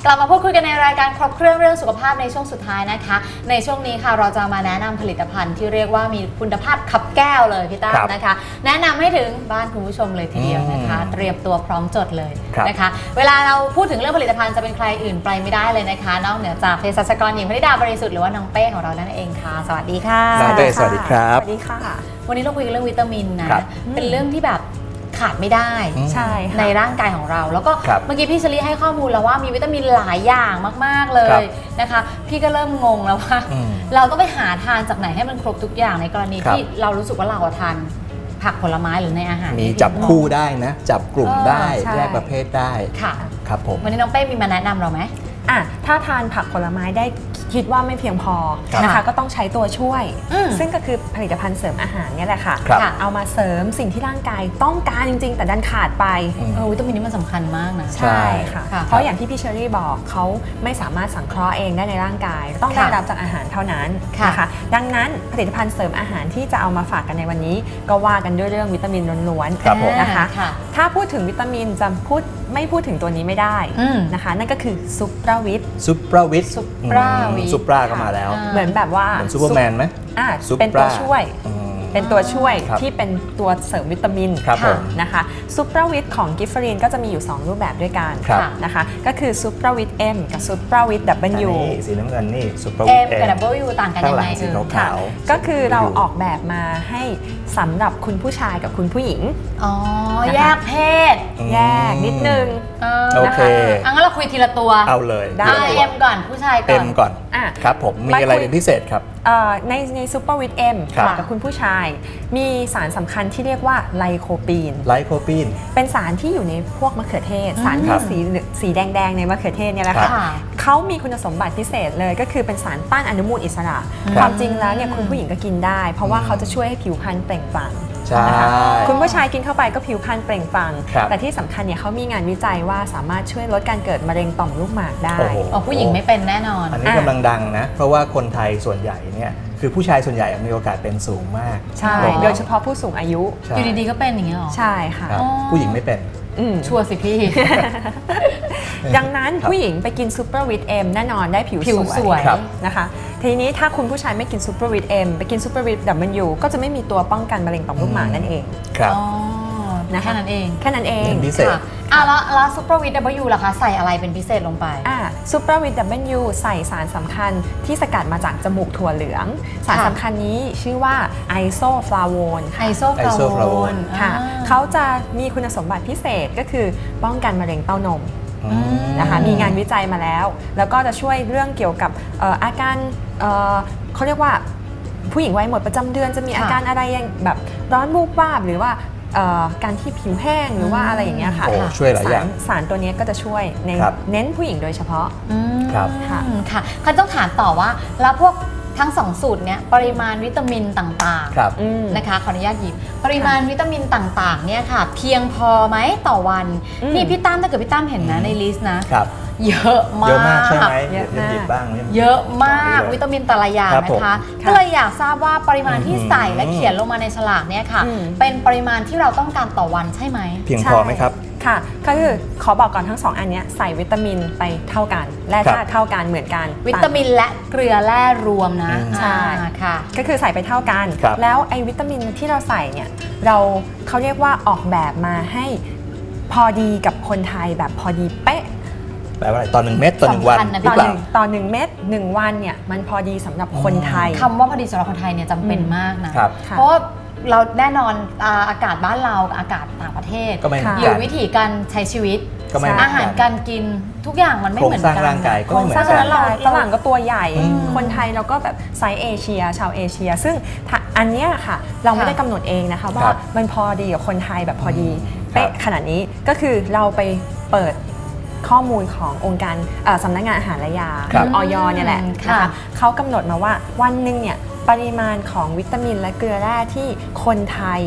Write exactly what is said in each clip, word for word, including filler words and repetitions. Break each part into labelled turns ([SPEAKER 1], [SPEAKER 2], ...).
[SPEAKER 1] ลับมาพูดคุยกันในรายการครบเครื่องเรื่องสุขภาพในช่วงสุดท้ายนะคะในช่วงนี้ค่ะเราจะมาแนะนำผลิตภัณฑ์ที่เรียกว่ามีคุณภาพขับแก้วเลยพี่ตั้มนะคะแนะนำให้ถึงบ้านคุณผู้ชมเลยทีเดียวนะคะเตรียมตัวพร้อมจดเลยนะคะเวลาเราพูดถึงเรื่องผลิตภัณฑ์จะเป็นใครอื่นไปไม่ได้เลยนะคะนอกเหนือจากเภสัชกรหญิงพนิดาบริสุทธิ์หรือว่าน้องเป้ของเรานั่นเองค่ะสวัสดีค่ะ
[SPEAKER 2] น้องเป้สวัสดีครับ
[SPEAKER 3] สวัสดีค่ะ
[SPEAKER 1] วันนี้เราคุยกันเรื่องวิตามินนะเป็นเรื่องที่แบบขาดไม่ได้
[SPEAKER 3] ใช่
[SPEAKER 1] ในร่างกายของเราแล้วก็เมื่อกี้พี่เชลี่ให้ข้อมูลแล้วว่ามีวิตามินหลายอย่างมากๆเลยนะคะพี่ก็เริ่มงงแล้วว่าเราต้องไปหาทานจากไหนให้มันครบทุกอย่างในกรณีที่เรารู้สึกว่าเราทานผักผลไม้หรือในอาหาร
[SPEAKER 2] มีจับคู่ได้นะจับกลุ่มได้แยกประเภทได้
[SPEAKER 1] ค่ะ
[SPEAKER 2] ครับผม
[SPEAKER 1] วันนี้น้องเป้มีมาแนะนำเราไหม
[SPEAKER 3] อ่ะถ้าทานผักผลไม้ได้คิดว่าไม่เพียงพอนะคะก็ต้องใช้ตัวช่วยซึ่งก็คือผลิตภัณฑ์เสริมอาหารนี่แหละค่ะเอามาเสริมสิ่งที่ร่างกายต้องการจริงๆแต่ดันขาดไป
[SPEAKER 1] เออวิตามินนี้มันสำคัญมากนะ
[SPEAKER 3] ใช่ค่ะเพราะอย่างที่พี่เชอรี่บอกเขาไม่สามารถสังเคราะห์เองได้ในร่างกายต้องได้รับจากอาหารเท่านั้นนะคะดังนั้นผลิตภัณฑ์เสริมอาหารที่จะเอามาฝากกันในวันนี้ก็ว่ากันด้วยเรื่องวิตามินล้วนๆนะคะถ้าพูดถึงวิตามินจะพูดไม่พูดถึงตัวนี้ไม่ได้นะคะนั่นก็คือซุปเปอร์วิต
[SPEAKER 2] ซุปเปอร์วิต
[SPEAKER 1] ซุปเปอร์วิต
[SPEAKER 2] ซุปเปอร์ก็มาแล้ว
[SPEAKER 3] เหมือนแบบว่า
[SPEAKER 2] เหมือนซูเปอร์แมนไหม
[SPEAKER 3] อ่าเป็นตัวช่วยเป็นตัวช่วยที่เป็นตัวเสริมวิตามินนะคะซูเปอร์วิตของกิฟเฟอรีนก็จะมีอยู่สองรูปแบบด้วยกันนะคะก็คือซูเปอร์วิต M กับซูเปอร์วิต W
[SPEAKER 2] สีน้ำเงินนี่ซูเปอร์
[SPEAKER 1] วิต
[SPEAKER 2] M
[SPEAKER 1] กับ W ต่างกันยังไง
[SPEAKER 2] สีขาว
[SPEAKER 3] ก็คือเราออกแบบมาให้สำหรับคุณผู้ชายกับคุณผู้หญิง
[SPEAKER 1] อ๋อแยกเพศ
[SPEAKER 3] แยกนิดนึง
[SPEAKER 2] โอเค
[SPEAKER 1] งั้นเราคุยทีละตัว
[SPEAKER 2] เอาเลย
[SPEAKER 1] ได้ M ก่อนผู้ชายก่อน
[SPEAKER 2] M ก่อนครับผมมีอะไรเป็นพิเศษครับ
[SPEAKER 3] ในในซูเปอร์วิต M กับคุณผู้ชายมีสารสำคัญที่เรียกว่าไลโคปีน
[SPEAKER 2] ไลโคปีน
[SPEAKER 3] เป็นสารที่อยู่ในพวกมะเขือเทศสารที่สีสีแดงๆในมะเขือเทศเนี่ยแหละค่ะเขามีคุณสมบัติพิเศษเลยก็คือเป็นสารต้านอนุมูลอิสระความจริงแล้วเนี่ยคุณผู้หญิงก็กินได้เพราะว่าเขาจะช่วยให้ผิวพรรณเปล่งปลั่งนะคะคุณผู้ชายกินเข้าไปก็ผิวพรรณเปล่งปลั่งแต่ที่สำคัญเนี่ยเขามีงานวิจัยว่าสามารถช่วยลดการเกิดมะเร็งต่อมลูกหมากได้
[SPEAKER 1] อ๋อผู้หญิงไม่เป็นแน่นอน
[SPEAKER 2] อันนี้กำลังดังนะเพราะว่าคนไทยส่วนใหญ่เนี่ยคือผู้ชายส่วนใหญ่มีโอกาสเป็นสูงมาก
[SPEAKER 3] ใช่โดยเฉพาะผู้สูงอายุ
[SPEAKER 1] อยู่ดีๆก็เป็นอย่างเงี้ยหรอ
[SPEAKER 3] ใช่ค่ะ
[SPEAKER 2] ผู้หญิงไม่เป็น
[SPEAKER 1] ชัวร์สิพี่
[SPEAKER 3] ดังนั้นผู้หญิงไปกินซูเปอร์วิตเอ็มแน่นอนได้ผิวสวยนะคะทีนี้ถ้าคุณผู้ชายไม่กินซูเปอร์วิตเอ็มไปกินซูเปอร์วิตดับเบิลยูก็จะไม่มีตัวป้องกันมะเร็งต่อมลูกหมากนั่นเอง
[SPEAKER 2] ครับ
[SPEAKER 1] แค่นั้นเอง
[SPEAKER 3] แค่นั้นเอง
[SPEAKER 2] พิเศษ
[SPEAKER 1] อ่ะแล้วแล้วซูเปอร์วิตดับเบิลยูล่ะคะใส่อะไรเป็นพิเศษลงไป
[SPEAKER 3] อ่าซูเปอร์วิตดับเบิลยูใส่สารสำคัญที่สกัดมาจากจมูกถั่วเหลืองสารสำคัญนี้ชื่อว่าไอโซฟลาโวน
[SPEAKER 1] ไอโซฟลาโวน
[SPEAKER 3] ค่ะเขาจะมีคุณสมบัติพิเศษก็คือป้องกันมะเร็งเต้านมนะคะมีงานวิจัยมาแล้วแล้วก็จะช่วยเรื่องเกี่ยวกับอาการเขาเรียกว่าผู้หญิงวัยหมดประจำเดือนจะมีอาการอะไรอย่างแบบร้อนวูบวาบหรือว่าการที่ผิวแห้งหรือว่าอะไรอย่างเงี้ยค่ะ
[SPEAKER 2] ช่วยหลายอย่าง
[SPEAKER 3] สารตัวนี้ก็จะช่วยในเน้นผู้หญิงโดยเฉพาะ
[SPEAKER 2] ครับ
[SPEAKER 1] ค่ะค่ะคันต้องถามต่อว่าแล้วพวกทั้งสองสูตรเนี้ยปริมาณวิตามินต่างๆนะคะขออนุญาตหยิบปริมาณวิตามินต่างๆเนี่ยค่ะเพียงพอไหมต่อวันนี่พี่ตั้มถ้าเกิดพี่ตั้มเห็นนะในลิสต์นะเยอะมาก
[SPEAKER 2] เยอะมากใช่ไหมเยอะมากบ้าง
[SPEAKER 1] เยอะมากวิตามินแต่ละอย่างนะคะก็เลยอยากทราบว่าปริมาณที่ใส่และเขียนลงมาในฉลากเนี่ยค่ะเป็นปริมาณที่เราต้องการต่อวันใช่ไหม
[SPEAKER 2] เพียงพอไหมครับ
[SPEAKER 3] ค่ะก็คือขอบอกก่อนทั้งสองอันนี้ใส่วิตามินไปเท่ากันแร่ธาตุเท่ากันเหมือนกัน
[SPEAKER 1] วิตามินและเกลือแร่รวมนะ
[SPEAKER 3] ใช่ค่ะก็คือใส่ไปเท่ากันแล้วไอ้วิตามินที่เราใส่เนี่ยเราเขาเรียกว่าออกแบบมาให้พอดีกับคนไทยแบบพอดีเป๊ะ
[SPEAKER 2] แปลว่าอะไรต่อหนึ่งเม็ดต่อหนึ่งวัน
[SPEAKER 3] หรือเปล่าต่อหนึ่งเม็ดหนึ่งวันเนี่ยมันพอดีสำหรับคนไทย
[SPEAKER 1] คำว่าพอดีสำหรับคนไทยเนี่ยจำเป็นมากนะเพราะเราแน่นอนอากาศบ้านเราอากาศต่างประเทศอยู่วิธีการใช้ชีวิตอาหารการกินทุกอย่างมันไม่เหมือนกัน
[SPEAKER 2] โครงสร้างร่างกายก็ไม่เหมือนกัน
[SPEAKER 3] ฝรั่งก็ตัวใหญ่คนไทยเราก็แบบไซส์เอเชียชาวเอเชียซึ่งอันนี้ค่ะเราไม่ได้กำหนดเองนะคะว่ามันพอดีกับคนไทยแบบพอดีเป๊ะขนาดนี้ก็คือเราไปเปิดข้อมูลขององค์การสำนักงานอาหารและยาอย.เนี่ยแหละนะคะเขากำหนดมาว่าวันหนึ่งเนี่ยปริมาณของวิตามินและเกลือแร่ที่คนไทย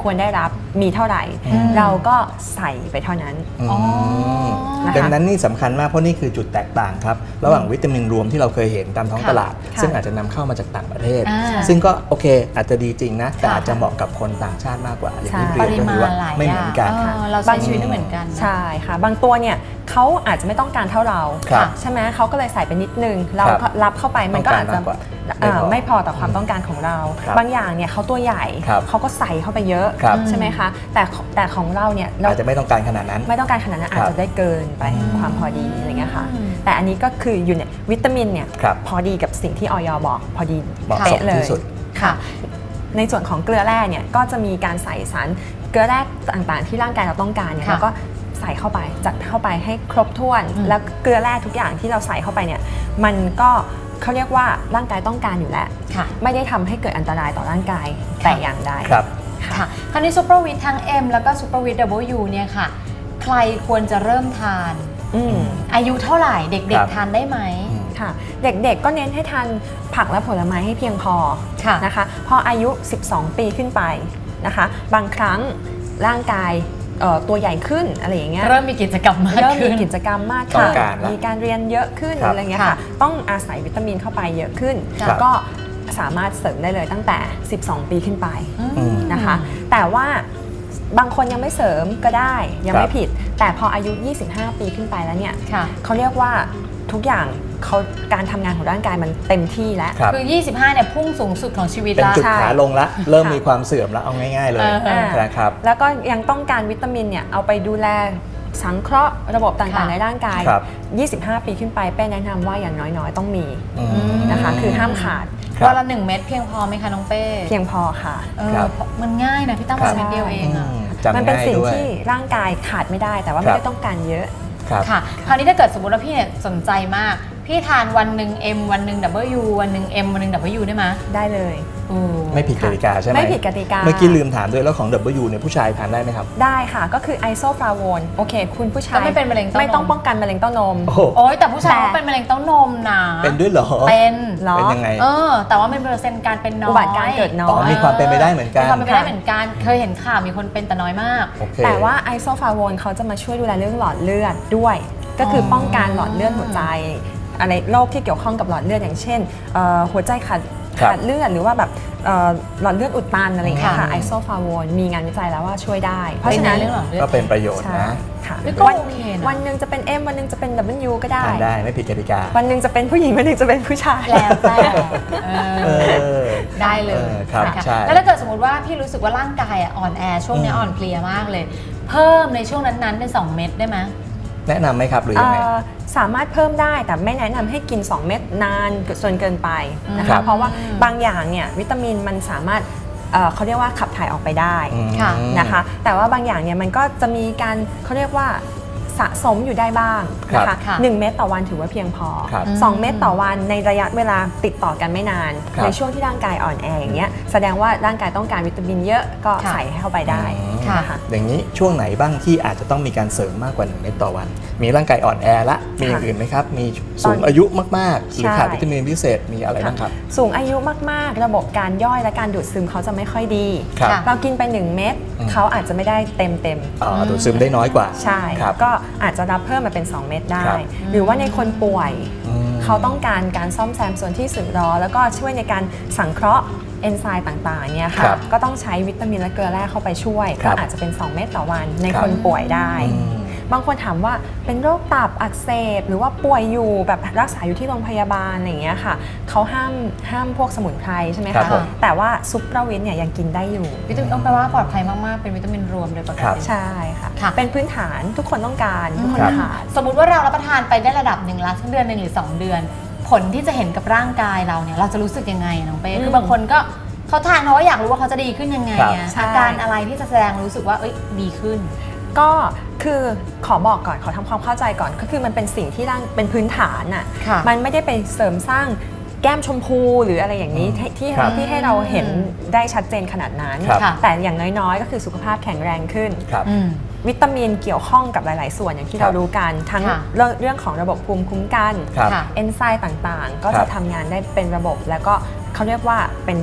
[SPEAKER 3] ควรได้รับมีเท่าไหร่
[SPEAKER 2] อืม
[SPEAKER 3] เราก็ใส่ไปเท่านั้น
[SPEAKER 1] อ๋อ
[SPEAKER 3] นะคะ
[SPEAKER 2] ดังนั้นนี่สำคัญมากเพราะนี่คือจุดแตกต่างครับระหว่างวิตามินรวมที่เราเคยเห็นตามท้อง
[SPEAKER 1] ค่ะ
[SPEAKER 2] ตลาด
[SPEAKER 3] ค่ะ
[SPEAKER 2] ซึ่งอาจจะนำเข้ามาจากต่างประเทศ
[SPEAKER 1] อ่า
[SPEAKER 2] ซึ่งก็โอเคอาจจะดีจริงนะแต่
[SPEAKER 1] ค่ะ
[SPEAKER 2] อาจจะเหมาะกับคนต่างชาติมากกว่าอย่างที่
[SPEAKER 3] ใช่
[SPEAKER 2] เรียน
[SPEAKER 1] ปริ
[SPEAKER 2] ก็
[SPEAKER 1] มา
[SPEAKER 2] คือ
[SPEAKER 1] ณ
[SPEAKER 2] ว่า
[SPEAKER 1] หลาย
[SPEAKER 2] ไม่
[SPEAKER 1] อ
[SPEAKER 2] เหมื
[SPEAKER 1] ย่า
[SPEAKER 2] อง นกัน
[SPEAKER 1] เออเราใช้ชีวิตไม่เหมือนกันนะ
[SPEAKER 3] ใช่ค่ะบางตัวเนี่ยเขาอาจจะไม่ต้องการเท่าเรา
[SPEAKER 2] ครับ
[SPEAKER 3] ใช่ไหมเขาก็เลยใส่ไปนิดนึงเรา
[SPEAKER 2] ครับ
[SPEAKER 3] ก็รับเข้าไปมันก็อาจจะ
[SPEAKER 2] ต้องการมากกว่า
[SPEAKER 3] เอ่อ
[SPEAKER 2] ไม่
[SPEAKER 3] ไม่
[SPEAKER 2] พ
[SPEAKER 3] พ
[SPEAKER 2] อ
[SPEAKER 3] อต่อความต้องการของเรา
[SPEAKER 2] ครับ
[SPEAKER 3] บางอย่างเนี่ยเขาตัวใหญ่
[SPEAKER 2] ครับ
[SPEAKER 3] เขาก็ใส่เข้าไปเยอะ
[SPEAKER 2] ครับ
[SPEAKER 3] ใช่ไหมคะแต่แต่ของเราเนี่ยเรา
[SPEAKER 2] อาจจะไม่ต้องการขนาดนั้น
[SPEAKER 3] ไม่ต้องการขนาดนั้น
[SPEAKER 2] ครับ
[SPEAKER 3] อาจจะได้เกินไป
[SPEAKER 2] อืม
[SPEAKER 3] ความพอดีอะไรเงี้ยค่ะ
[SPEAKER 1] อืม
[SPEAKER 3] แต่อันนี้ก็คืออยู่เนี่ยวิตามินเนี่ย
[SPEAKER 2] ครับ
[SPEAKER 3] พอดีกับสิ่งที่ออยบอกพอดี
[SPEAKER 2] เหมาะสม
[SPEAKER 3] เป๊ะเลย
[SPEAKER 2] ที่สุด
[SPEAKER 1] ค่ะ
[SPEAKER 3] ในส่วนของเกลือแร่เนี่ยก็จะมีการใส่สารเกลือแร่ต่างๆ ที่ร่างกายเราต้องการเนี่ย
[SPEAKER 1] ค่ะ
[SPEAKER 3] เราก็ใส่เข้าไปจัดเข้าไปให้ครบถ้วน
[SPEAKER 1] อืม
[SPEAKER 3] แล้วเกลือแร่ทุกอย่างที่เราใส่เข้าไปเนี่ยมันก็เขาเรียกว่าร่างกายต้องการอยู่แล้ว
[SPEAKER 1] ค่ะ
[SPEAKER 3] ไม่ได้ทำให้เกิดอันตรายต่อร่างกายแต่อย่างใด
[SPEAKER 2] ครับ
[SPEAKER 1] ค่ะคราวนี้ซูเปอร์วิตทั้ง M แล้วก็ซูเปอร์วิต W เนี่ยค่ะ ใครควรจะเริ่มทาน
[SPEAKER 3] อืม
[SPEAKER 1] อายุเท่าไหร่เด็
[SPEAKER 2] ค
[SPEAKER 1] ก
[SPEAKER 2] รับ
[SPEAKER 1] ๆทานได้ไหม
[SPEAKER 2] อืม
[SPEAKER 3] ค่ะเด็กๆก็เน้นให้ทานผักและผลไม้ให้เพียงพอ
[SPEAKER 1] ค่ะ
[SPEAKER 3] นะคะพออายุ สิบสอง ปีขึ้นไปนะคะบางครั้งร่างกายเอ่อตัวใหญ่ขึ้นอะไรอย่างเงี้ย
[SPEAKER 1] เริ่มมีกิจกรรมมาก
[SPEAKER 3] เริ่ม
[SPEAKER 1] ขึ้
[SPEAKER 3] มี
[SPEAKER 1] น
[SPEAKER 3] กิจกรรมมาก
[SPEAKER 2] ต้
[SPEAKER 3] ขึ้
[SPEAKER 2] อน งการละ
[SPEAKER 3] มีการเรียนเยอะขึ้น
[SPEAKER 2] ครับ
[SPEAKER 3] อะไรเงี้ย
[SPEAKER 1] ค่ะ
[SPEAKER 3] ค่ะต้องอาศัยวิตามินเข้าไปเยอะขึ้น
[SPEAKER 1] ครับ
[SPEAKER 3] ก็สามารถเสริมได้เลยตั้งแต่ สิบสอง ปีขึ้นไป
[SPEAKER 1] อืม
[SPEAKER 3] นะคะแต่ว่าบางคนยังไม่เสริมก็ได้ยัง
[SPEAKER 2] ครั
[SPEAKER 3] ไม่
[SPEAKER 2] บ
[SPEAKER 3] ผิด แต่พออายุ ยี่สิบห้า ปีขึ้นไปแล้วเนี่ย
[SPEAKER 1] ค่ะ
[SPEAKER 3] เขาเรียกว่าทุกอย่างเขาการทำงานของร่างกายมันเต็มที่แล้ว
[SPEAKER 2] ครับ
[SPEAKER 1] คือ ยี่สิบห้า เนี่ยพุ่งสูงสุดของชีวิต
[SPEAKER 2] เป็น
[SPEAKER 1] ละ
[SPEAKER 2] จุด
[SPEAKER 3] ใช่
[SPEAKER 2] ขาลงละเริ่ม
[SPEAKER 3] ค่ะ
[SPEAKER 2] มีความเสื่อมแล้วเอาง่าย ๆ เลย
[SPEAKER 1] เออ
[SPEAKER 2] นะครับ
[SPEAKER 3] แล้วก็ยังต้องการวิตามินเนี่ยเอาไปดูแลสังเคราะห์ระบบต่าง
[SPEAKER 1] ค่ะ
[SPEAKER 3] ๆในร่างกาย
[SPEAKER 2] ครับ
[SPEAKER 3] ยี่สิบห้า ปีขึ้นไปเป้แนะนำว่าอย่างน้อยๆต้องมี
[SPEAKER 2] อืม
[SPEAKER 3] นะคะคือห้ามขาด
[SPEAKER 2] ครับ
[SPEAKER 1] วันละหนึ่งเม็ดเพียงพอไหมคะน้องเป้
[SPEAKER 3] เพียงพอค่ะ
[SPEAKER 1] เออ
[SPEAKER 2] ครับ
[SPEAKER 1] มันง่ายนะพี่ตั้ม
[SPEAKER 2] ครั
[SPEAKER 1] วั
[SPEAKER 2] บ
[SPEAKER 1] นเม็ดเดียวเองอะ
[SPEAKER 2] อืมจำ
[SPEAKER 3] มันเป็น
[SPEAKER 2] ง่าย
[SPEAKER 3] สิ่ง
[SPEAKER 2] ด้วย
[SPEAKER 3] ที่ร่างกายขาดไม่ได้ แต่ว่า
[SPEAKER 2] ค
[SPEAKER 3] ไม่
[SPEAKER 2] รับ
[SPEAKER 3] ได้ต้องการเยอะ
[SPEAKER 2] ครับ
[SPEAKER 1] ค่ะ คราวนี้ถ้าเกิดสมมติว่าพี่เนี่ยสนใจมาก พี่ทานวันหนึ่ง M วันหนึ่ง W วันหนึ่ง M วันหนึ่ง W ได้ไหม
[SPEAKER 3] ได้เลย
[SPEAKER 1] โอ้
[SPEAKER 2] ไม่ผิดกติกาใช่ไหม
[SPEAKER 3] ไม่ผิดกติกา
[SPEAKER 2] เมื่อกี้ลืมถามด้วยแล้วของ W เนี่ยผู้ชายทานได้ไหมครับ
[SPEAKER 3] ได้ค่ะก็คือไอโซฟลาโวนโอเค คุณผู้ชาย
[SPEAKER 1] ก็ไม่เป็นมะเร็งเต้านม
[SPEAKER 3] ไม่ต้องป้องกันมะเร็งเต้านม
[SPEAKER 2] โอ้โห
[SPEAKER 1] โอ้ยแต่ผู้ชาย
[SPEAKER 3] แต่
[SPEAKER 1] เขาเป็นมะเร็งเต้านมนะ
[SPEAKER 2] เป็นด้วยเหรอ
[SPEAKER 1] เป็น
[SPEAKER 3] เหรอ
[SPEAKER 2] เป็นยังไง
[SPEAKER 1] เออ แต่ว่ามันเปอร์เซ็นต์การเป็นน้อย
[SPEAKER 3] อุบัติการเกิดน้อย
[SPEAKER 2] อ๋อมีความเป็นไปได้เหมือนกัน
[SPEAKER 1] มีความเป็นไปได้เหมือนกัน เคยเห็นข่าวมีคนเป็นแต่น้อยมาก
[SPEAKER 2] โอเค
[SPEAKER 3] แต่ว่าไอโซฟลาโวนเขาจะมาช่วยดูแลเรื่องหลอดเลือดด้วย ก็คือป้องกันหลอดเลือดหัวใจอะไรโรคที่เกี่ยวข้องกับหลอดเลือดอย่างเช่นเอ่อหัวใจขาด
[SPEAKER 2] ครับ
[SPEAKER 3] ขาดเลือดหรือว่าแบบเอ่อหลอดเลือดอุดตันอะไรอย่างเงี้ยค่ะ
[SPEAKER 1] ค่ะ
[SPEAKER 3] ไอโซฟลาโวนมีงานวิจัยแล้วว่าช่วยได้ เพราะฉะนั้น
[SPEAKER 1] เป็นในเรื่องหลอดเลือด
[SPEAKER 2] ก็เป็นประโยชน์
[SPEAKER 3] ใช่
[SPEAKER 2] นะ
[SPEAKER 3] ค่ะ
[SPEAKER 1] นี่ก็
[SPEAKER 3] วัน
[SPEAKER 1] โอเคนะ
[SPEAKER 3] วันหนึ่งจะเป็น M วันหนึ่งจะเป็น W ก็ได้
[SPEAKER 2] ทานได้ไม่ผิดกติกา
[SPEAKER 3] วันหนึ่งจะเป็นผู้หญิงวันหนึ่งจะเป็นผู้ชาย
[SPEAKER 1] แล้วแต่เอ
[SPEAKER 2] เอ
[SPEAKER 1] อ
[SPEAKER 2] อ
[SPEAKER 1] ได้เลย
[SPEAKER 2] เออครับ
[SPEAKER 1] นะคะ
[SPEAKER 2] ใช่
[SPEAKER 1] แล้วถ้าเกิดสมมติว่าพี่รู้สึกว่าร่างกายอ่ะอ่อนแอช่วงเนี้ย
[SPEAKER 2] อืม
[SPEAKER 1] อ่อนเพลียมากเลย เพิ่มในช่วงนั้นๆเป็นสองเม็ดได้ไหม
[SPEAKER 2] แนะนำไหมครับหรือยังไง
[SPEAKER 3] เอ่อสามารถเพิ่มได้แต่ไม่แนะนำให้กิน สอง เม็ดนานจนเกินไปนะ
[SPEAKER 2] ครั
[SPEAKER 3] คะ
[SPEAKER 2] บ
[SPEAKER 3] เพราะว่าบางอย่างเนี่ยวิตามินมันสามารถเอ่อเขาเรียกว่าขับถ่ายออกไปได้
[SPEAKER 2] อืม
[SPEAKER 1] ค่ะ
[SPEAKER 3] นะคะแต่ว่าบางอย่างเนี่ยมันก็จะมีการเขาเรียกว่าสะสมอยู่ได้บ้างนะ
[SPEAKER 2] ครั
[SPEAKER 3] คะ
[SPEAKER 2] บ
[SPEAKER 1] ค่ะ
[SPEAKER 3] หนึ่งเม็ดต่อวันถือว่าเพียงพอ
[SPEAKER 2] ครับ
[SPEAKER 3] สองเม็ดต่อวันในระยะเวลาติดต่อกันไม่นาน
[SPEAKER 2] ครับ
[SPEAKER 3] ในช่วงที่ร่างกายอ่อนแออย่างเงี้ยแสดงว่าร่างกายต้องการวิตามินเยอะก็
[SPEAKER 1] ค่ะ
[SPEAKER 3] ใส่ให้เข้าไปได้
[SPEAKER 2] อืม
[SPEAKER 1] ค่ะ
[SPEAKER 3] นะคะ
[SPEAKER 2] อย่างนี้ช่วงไหนบ้างที่อาจจะต้องมีการเสริมมากกว่าหนึ่งเม็ดต่อวัน มีร่างกายอ่อนแอละมีอย่างอื่นไหมครับ มีสูงอายุมากๆ หรือ
[SPEAKER 3] ใช่
[SPEAKER 2] ขาดวิตามินพิเศษมีอะไรบ้างครับ
[SPEAKER 3] สูงอายุมากๆ ระบบการย่อยและการดูดซึมเขาจะไม่ค่อยดี
[SPEAKER 2] ครับ
[SPEAKER 1] ค่ะ
[SPEAKER 3] เรากินไปหนึ่งเม็ด
[SPEAKER 2] อืม
[SPEAKER 3] เขาอาจจะไม่ได้เต็มเต็ม
[SPEAKER 2] อ๋อดูดซึมได้น้อยกว่า
[SPEAKER 3] ๆใช่
[SPEAKER 2] ครับ
[SPEAKER 3] ก็อาจจะรับเพิ่มมาเป็น สอง เม็ดได้
[SPEAKER 2] ครับ
[SPEAKER 3] หรือว่าในคนป่วย
[SPEAKER 2] อืม
[SPEAKER 3] เขาต้องการการซ่อมแซมส่วนที่สึกหรอ แล้วก็ช่วยในการสังเคราะห์เอนไซม์ต่างๆเนี่ย
[SPEAKER 2] ครั
[SPEAKER 3] ค่ะ
[SPEAKER 2] บ
[SPEAKER 3] ก็ต้องใช้วิตามินและเกลือแร่เข้าไปช่วย
[SPEAKER 2] ครั
[SPEAKER 3] ก็
[SPEAKER 2] บ
[SPEAKER 3] อาจจะเป็น สอง เม็ดต่อวันใน
[SPEAKER 2] ครับ
[SPEAKER 3] คนป่วยได้
[SPEAKER 2] อืม
[SPEAKER 3] บางคนถามว่าเป็นโรคตับอักเสบหรือว่าป่วยอยู่แบบรักษาอยู่ที่โรงพยาบาลอะไรอย่างเงี้ยค่ะเขาห้ามห้ามพวกสมุนไพรใช่ไหม
[SPEAKER 2] ครั
[SPEAKER 3] คะ
[SPEAKER 2] บผม
[SPEAKER 3] แต่ว่าซุปเปอร์วิตเนี่ยยังกินได้อยู่
[SPEAKER 1] วิตามินต้องแปลว่าปลอดภัยมาก ๆ เป็นวิตามินรวมโดยปก
[SPEAKER 2] ครับ
[SPEAKER 1] ติ
[SPEAKER 3] ใช่ค่ะ
[SPEAKER 1] ค่ะ
[SPEAKER 3] เป็นพื้นฐานทุกคนต้องการทุกคน
[SPEAKER 2] ครับ
[SPEAKER 3] ขาด
[SPEAKER 1] สมมุติว่าเรารับประทานไปได้ระดับหนึ่งละสักเดือนหนึ่งหรือสองเดือน ผลที่จะเห็นกับร่างกายเราเนี่ยเราจะรู้สึกยังไงน้องเป้
[SPEAKER 3] อืม
[SPEAKER 1] คือบางคนก็เขาทานเพราะว่าอยากรู้ว่าเขาจะดีขึ้นยังไง
[SPEAKER 2] ครับ
[SPEAKER 1] อะ
[SPEAKER 3] ใช่
[SPEAKER 1] อาการอะไรที่จะแสดงรู้สึกว่าเอ้ยดีขึ้น
[SPEAKER 3] ก็คือขอบอกก่อนขอทำความเข้าใจก่อนก็คือมันเป็นสิ่งที่ร่างเป็นพื้นฐานน่ะ
[SPEAKER 1] ค่ะ
[SPEAKER 3] มันไม่ได้ไปเสริมสร้างแก้มชมพูหรืออะไรอย่างนี้
[SPEAKER 2] อืม
[SPEAKER 3] ที่ที่
[SPEAKER 2] ครับ
[SPEAKER 3] ที่ให้เราเห็นได้ชัดเจนขนาดนั้น
[SPEAKER 2] ครับ
[SPEAKER 1] ค่ะ
[SPEAKER 3] แต่อย่างน้อยๆ ก็คือสุขภาพแข็งแรงขึ้น
[SPEAKER 2] ครับ
[SPEAKER 1] อืม
[SPEAKER 3] วิตามินเกี่ยวข้องกับหลาย ๆ ส่วนอย่างที่
[SPEAKER 2] ครับ
[SPEAKER 3] เรารู้กันทั้ง
[SPEAKER 1] ค่ะ
[SPEAKER 3] เรื่องเรื่องของระบบภูมิคุ้มกัน
[SPEAKER 2] ครับ
[SPEAKER 1] ค่ะ
[SPEAKER 3] เอนไซม์ต่างๆ ก็
[SPEAKER 2] ครั
[SPEAKER 3] จะ
[SPEAKER 2] บ
[SPEAKER 3] ทำงานได้เป็นระบบ แล้วก็เขาเรียกว่าเป็น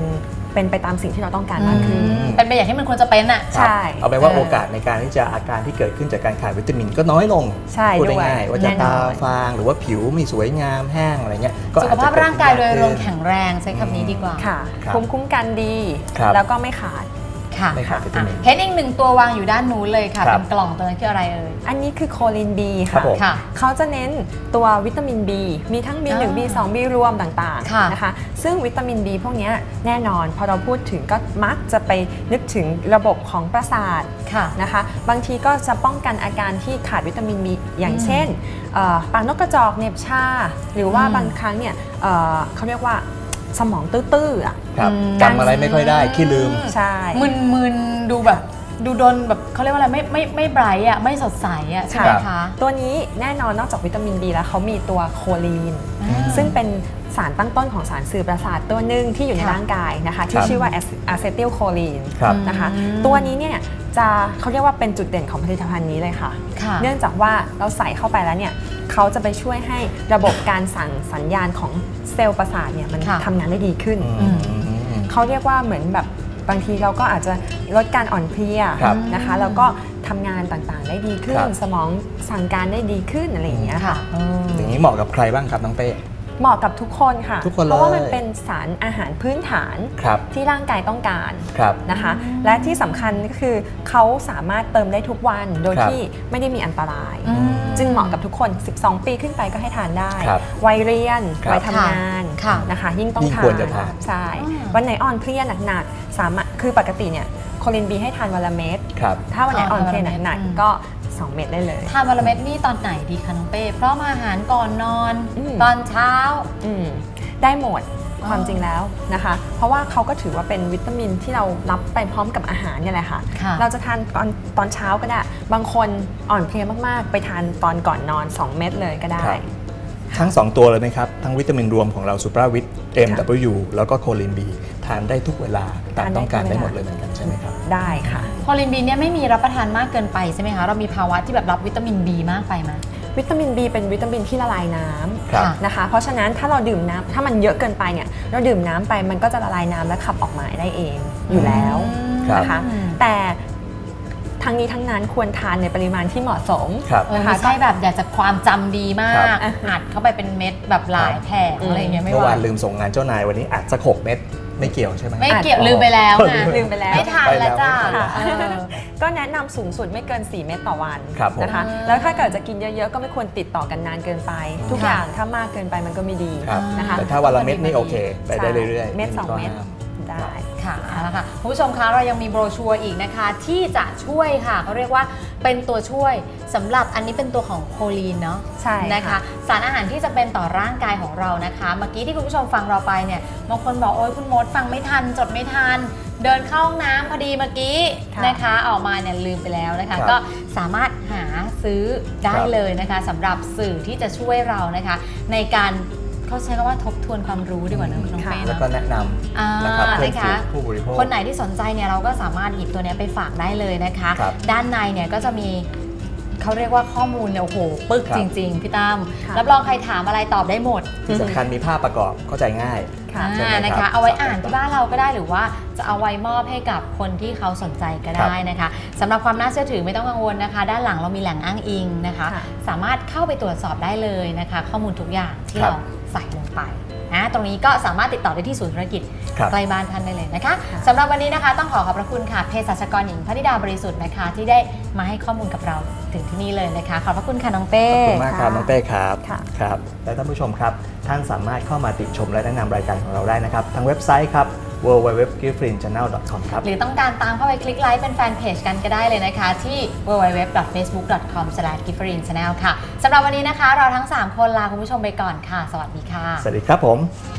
[SPEAKER 3] เป็นไปตามสิ่งที่เราต้องการมากขึ้น
[SPEAKER 2] อืม
[SPEAKER 1] เป็นไปอย่างที่มันควรจะเป็นอ่ะ
[SPEAKER 3] ใช่
[SPEAKER 2] เอาไปนว่า
[SPEAKER 1] เออ
[SPEAKER 2] โอกาสในการที่จะอาการที่เกิดขึ้นจากการขาดวิตามินก็น้อยลง
[SPEAKER 3] ใช่
[SPEAKER 2] พูด
[SPEAKER 3] ด้วย
[SPEAKER 2] ง่ายๆว่าจะ
[SPEAKER 3] แน่นอน
[SPEAKER 2] ตาฟางหรือว่าผิวไม่สวยงามแห้งอะไรเงี้ยก็
[SPEAKER 1] สุ
[SPEAKER 2] อ
[SPEAKER 1] ข
[SPEAKER 2] จจะ
[SPEAKER 1] ภาพร่างกายโดยรวม
[SPEAKER 2] เกิดขึ้น
[SPEAKER 1] แข็งแรงใช้คำนี้ดีกว่า
[SPEAKER 3] ค่ะ
[SPEAKER 2] ครับ
[SPEAKER 3] ภูมิคุ้มกันดี
[SPEAKER 2] ครับ
[SPEAKER 3] แล้วก็ไม่ขาด
[SPEAKER 1] ค่ะ
[SPEAKER 2] ไม่ขาดวิตามิน
[SPEAKER 1] อ่ะเห็นอีกหนึ่งตัววางอยู่ด้านนู้นเลยค่ะ
[SPEAKER 2] ครับ
[SPEAKER 1] เป็นกล่องตัวนั้นคืออะไรเอ่ย
[SPEAKER 3] อันนี้คือโคลิน B
[SPEAKER 2] ครั
[SPEAKER 3] ค่ะ
[SPEAKER 2] บผม
[SPEAKER 1] ค่ะ
[SPEAKER 3] เขาจะเน้นตัววิตามิน B มีทั้ง บี หนึ่ง
[SPEAKER 1] อ่า
[SPEAKER 3] บี สอง B รวมต่าง
[SPEAKER 1] ค่ะ
[SPEAKER 3] ๆนะคะซึ่งวิตามิน B พวกเนี้ยแน่นอนพอเราพูดถึงก็มักจะไปนึกถึงระบบของประสาท
[SPEAKER 1] ค่ะ
[SPEAKER 3] นะคะบางทีก็จะป้องกันอาการที่ขาดวิตามิน B อย่าง
[SPEAKER 1] อืม
[SPEAKER 3] เช่นเอ่อปากนกกระจอกเหน็บชาหรือว่า
[SPEAKER 1] อืม
[SPEAKER 3] บางครั้งเนี่ยเอ่อเขาเรียกว่าสมองตื้อๆอ่ะ
[SPEAKER 2] ครับ
[SPEAKER 1] อืม
[SPEAKER 2] จำอะไรไม่ค่อยได้ขี้ลืม
[SPEAKER 3] ใช่
[SPEAKER 1] มึนๆดูแบบดูโดนแบบเขาเรียกว่าอะไรไม่ไม่ไม่ไบรท์อ่ะไม่สดใสอ่ะใช่ไหม
[SPEAKER 2] ครับ
[SPEAKER 1] คะ
[SPEAKER 3] ตัวนี้แน่นอนนอกจากวิตามิน B แล้วเขามีตัวโคลีน
[SPEAKER 1] อ่า
[SPEAKER 3] ซึ่งเป็นสารตั้งต้นของสารสื่อประสาทตัวหนึ่งที่อยู่ใน
[SPEAKER 1] ค่ะ
[SPEAKER 3] ร่างกายนะคะ
[SPEAKER 2] ค
[SPEAKER 3] ที่
[SPEAKER 2] รับ
[SPEAKER 3] ชื่อว่าอะเซติลโคลีน
[SPEAKER 2] ครับ
[SPEAKER 3] นะคะ
[SPEAKER 1] อืม
[SPEAKER 3] ตัวนี้เนี่ยจะเขาเรียกว่าเป็นจุดเด่นของผลิตภัณฑ์นี้เลยค่ะ
[SPEAKER 1] ค่ะ
[SPEAKER 3] เนื่องจากว่าเราใส่เข้าไปแล้วเนี่ยเขาจะไปช่วยให้ระบบการสั่งสัญญาณของเซลล์ประสาทเนี่ยมัน
[SPEAKER 1] ค่ะ
[SPEAKER 3] ทำงานได้ดีขึ้น
[SPEAKER 2] อืม
[SPEAKER 3] เขาเรียกว่าเหมือนแบบบางทีเราก็อาจจะลดการอ่อนเพลีย
[SPEAKER 2] ครับ
[SPEAKER 3] นะคะแล้วก็ทำงานต่างๆได้ดีขึ้
[SPEAKER 2] คน รับ
[SPEAKER 3] สมองสั่งการได้ดีขึ้นอะไรอย่างเงี้ย
[SPEAKER 1] ค่ะ
[SPEAKER 3] ค่ะ
[SPEAKER 1] เออ
[SPEAKER 2] อย่างนี้เหมาะกับใครบ้างครับน้องเป้
[SPEAKER 3] เหมาะกับทุกคนค่ะ
[SPEAKER 2] ทุกคนเลย
[SPEAKER 3] เพราะว่ามันเป็นสารอาหารพื้นฐาน
[SPEAKER 2] ครับ
[SPEAKER 3] ที่ร่างกายต้องการ
[SPEAKER 2] ครับ
[SPEAKER 3] นะคะ และที่สำคัญก็คือเขาสามารถเติมได้ทุกวันโดย
[SPEAKER 2] ครับ
[SPEAKER 3] ที่ไม่ได้มีอันตราย
[SPEAKER 1] อืม
[SPEAKER 3] จึงเหมาะกับทุกคน สิบสอง ปีขึ้นไปก็ให้ทานได้
[SPEAKER 2] ครับ
[SPEAKER 3] วัยเรียน
[SPEAKER 2] ครับ
[SPEAKER 3] วัยทำงาน
[SPEAKER 1] ค่ะ
[SPEAKER 3] นะคะ ยิ่งต้อง
[SPEAKER 2] ยิ่ง
[SPEAKER 3] ทาน
[SPEAKER 2] ควรจะทาน
[SPEAKER 3] ใช่
[SPEAKER 1] อ่า
[SPEAKER 3] วันไหนอ่อนเพลียหนักๆสามารถคือปกติเนี่ยโคลินบีให้ทานวันละเม็ด
[SPEAKER 2] ครับ
[SPEAKER 3] ถ้าวันไหนอ่อนเพลียหนัก
[SPEAKER 1] อืม
[SPEAKER 3] ๆก็ สอง เม็ดได้เลย
[SPEAKER 1] ทานวันละเม็ดนี่ตอนไหนดีคะน้องเป้พร้อมอาหารก่อนนอน
[SPEAKER 3] อืม
[SPEAKER 1] ตอนเช้า
[SPEAKER 3] อืมได้หมด
[SPEAKER 1] อ๋อ
[SPEAKER 3] ความจริงแล้วนะคะ เพราะว่าเขาก็ถือว่าเป็นวิตามินที่เรารับไปพร้อมกับอาหารเนี่ยแหละค่ะ
[SPEAKER 1] ค่ะ
[SPEAKER 3] เราจะทานตอนตอนเช้าก็ได้ บางคนอ่อนเพลียมากๆ ไปทานตอนก่อนนอน สอง เม็ดเลยก็ได้
[SPEAKER 2] ครับ ทั้ง สอง ตัวเลยไหมครับ ทั้งวิตามินรวมของเราซูปราวิต เอ็ม ดับเบิลยู แล้วก็โคลินบีทานได้ทุกเวลาตาม
[SPEAKER 3] ทานได้
[SPEAKER 2] ต้องการ
[SPEAKER 3] ทุกเวลา
[SPEAKER 2] ได้หมดเลยเหมือนกันใช่ไหมครับ
[SPEAKER 3] ได้ค่ะ
[SPEAKER 1] โคลินบีเนี่ยไม่มีรับประทานมากเกินไปใช่ไหมคะ เรามีภาวะที่แบบรับวิตามินบีมากไปไหม
[SPEAKER 3] วิตามิน B เป็นวิตามินที่ละลายน้
[SPEAKER 2] ครับ
[SPEAKER 3] ำนะคะ เพราะฉะนั้นถ้าเราดื่มน้ำถ้ามันเยอะเกินไปเนี่ยเราดื่มน้ำไปมันก็จะละลายน้ำและขับออกมาได้เองอยู่แล้ว
[SPEAKER 2] ครับ
[SPEAKER 3] นะคะ
[SPEAKER 1] อืม
[SPEAKER 3] แต่ทั้งนี้ทั้งนั้นควรทานในปริมาณที่เหมาะสม
[SPEAKER 2] ครับ
[SPEAKER 1] เออไม่ใช่แบบอยากจะความจำดีมา
[SPEAKER 2] ครั
[SPEAKER 1] ก
[SPEAKER 2] บ
[SPEAKER 1] อัดเข้าไปเป็นเม็ดแบบหลายแผง
[SPEAKER 3] อืม
[SPEAKER 1] อะไรอย่างเงี้ยไม่
[SPEAKER 2] เมื่อ
[SPEAKER 1] ไหว
[SPEAKER 2] วานลืมส่งงานเจ้านายวันนี้อัดสักหกเม็ดไม่เกี่ยวใช่ไหม
[SPEAKER 1] ไม่เกี่ยว
[SPEAKER 2] อ๋อ
[SPEAKER 1] ลืมไปแล้วนะ
[SPEAKER 3] ลืมไปแล้ว
[SPEAKER 1] ไม่ทานแล้วจ้า
[SPEAKER 2] ไปแล้ว
[SPEAKER 1] เออ
[SPEAKER 3] ก็แนะนำสูงสุดไม่เกิน สี่ เม็ดต่อวัน
[SPEAKER 2] ครับผม
[SPEAKER 3] นะคะ
[SPEAKER 1] อ่า
[SPEAKER 3] แล้วถ้าเกิดจะกินเยอะๆ ก็ไม่ควรติดต่อกันนานเกินไป ทุก
[SPEAKER 1] ค่ะ
[SPEAKER 3] อย่างถ้ามากเกินไปมันก็ไม่ดี
[SPEAKER 2] ครับ
[SPEAKER 3] นะคะ
[SPEAKER 2] แต่ถ้าวันละเม็ดนี่โอเค ไปได้
[SPEAKER 3] ใช่
[SPEAKER 2] เรื่อยๆ
[SPEAKER 3] เม็ดสอง
[SPEAKER 2] ข้
[SPEAKER 3] เม็ด
[SPEAKER 2] ห้าม
[SPEAKER 3] ได้
[SPEAKER 1] ค่ะเอาละค่ะคุณผู้ชมคะเรายังมีโบรชัวร์อีกนะคะ ที่จะช่วยค่ะเขาเรียกว่าเป็นตัวช่วยสำหรับอันนี้เป็นตัวของโคลีนเนาะ
[SPEAKER 3] ใช่
[SPEAKER 1] นะคะ สารอาหารที่จะเป็นต่อร่างกายของเรานะคะ เมื่อกี้ที่คุณผู้ชมฟังเราไปเนี่ยบางคนบอกโอ๊ยคุณมดฟังไม่ทันจดไม่ทัน เดินเข้าห้องน้ำพอดีเมื่อกี้
[SPEAKER 3] ค่ะ
[SPEAKER 1] นะคะออกมาเนี่ยลืมไปแล้วนะคะ
[SPEAKER 2] ครับ
[SPEAKER 1] ก็สามารถหาซื้อได้
[SPEAKER 2] ครับ
[SPEAKER 1] เลยนะคะสำหรับสื่อที่จะช่วยเรานะคะ ในการเขาใช้คำว่าทบทวนความรู้ดีกว่านะคุณน้อง
[SPEAKER 3] ค่ะ
[SPEAKER 1] เป้
[SPEAKER 2] แล้ว
[SPEAKER 1] เนาะ
[SPEAKER 2] ก็แนะน
[SPEAKER 1] อ่า
[SPEAKER 2] ำนะครับเพื่อน
[SPEAKER 1] นะ
[SPEAKER 2] ฝู
[SPEAKER 1] คะ
[SPEAKER 2] งผู้บริโภค
[SPEAKER 1] คนไหนที่สนใจเนี่ยเราก็สามารถหยิบตัวเนี้ยไปฝากได้เลยนะคะ
[SPEAKER 2] ครับ
[SPEAKER 1] ด้านในเนี่ยก็จะมีเขาเรียกว่าข้อมูลเนี่ยโอ้โหปึก
[SPEAKER 2] ครับ
[SPEAKER 1] จริง ๆ พี่ตั้ม
[SPEAKER 3] ค่ะ
[SPEAKER 1] รับรองใครถามอะไรตอบได้หมด
[SPEAKER 2] ที่สำคัญมีภาพประกอบเข้าใจง่าย
[SPEAKER 3] ค่ะ
[SPEAKER 2] ใช่ไหม
[SPEAKER 1] อ่านะ
[SPEAKER 2] ครั
[SPEAKER 1] คะ
[SPEAKER 2] บ
[SPEAKER 1] เอาไว้อ่านที่บ้านเราก็ได้หรือว่าจะเอาไว้มอบให้กับคนที่เขาสนใจก็ได้นะคะสำหรับความน่าเชื่อถือไม่ต้องกังวลนะคะ ด้านหลังเรามีแหล่งอ้างอิงนะคะ
[SPEAKER 3] ค่ะ
[SPEAKER 1] สามารถเข้าไปตรวจสอบได้เลยนะคะ ข้อมูลทุกอย่างที่
[SPEAKER 2] ครับ
[SPEAKER 1] เราใส่ลงไปนะตรงนี้ก็สามารถติดต่อได้ที่ศูนย์ธุรกิจ
[SPEAKER 2] ครับ
[SPEAKER 1] ใกล้บ้านท่านได้เลยนะคะ
[SPEAKER 3] ค่ะ
[SPEAKER 1] สำหรับวันนี้นะคะต้องขอขอบพระคุณค่ะเภสัชกรหญิงพนิดาบริสุทธิ์นะคะ ที่ได้มาให้ข้อมูลกับเราถึงที่นี่เลยนะคะ ขอบพระคุณค่ะน้องเป้
[SPEAKER 2] ขอบคุณมากครับ
[SPEAKER 3] ค่ะ
[SPEAKER 2] น้องเป้ครับ
[SPEAKER 3] ค่ะ
[SPEAKER 2] ครับและท่านผู้ชมครับ ท่านสามารถเข้ามาติชมและแนะนำรายการของเราได้นะครับทางเว็บไซต์ครับ ดับเบิลยู ดับเบิลยู ดับเบิลยู ดอท กิฟฟรีน ชาแนล ดอท คอม ครับ
[SPEAKER 1] หรือต้องการตามเข้าไปคลิกไลค์เป็นแฟนเพจกันก็ได้เลยนะคะ ที่ ดับเบิลยู ดับเบิลยู ดับเบิลยู ดอท เฟซบุ๊ก ดอท คอม สแลช กิฟฟรีน ชาแนล ค่ะสำหรับวันนี้นะคะ เราทั้งสามคนลาคุณผู้ชมไปก่อนค่ะ สวัสดีค่ะ
[SPEAKER 2] สวัสดีครับผม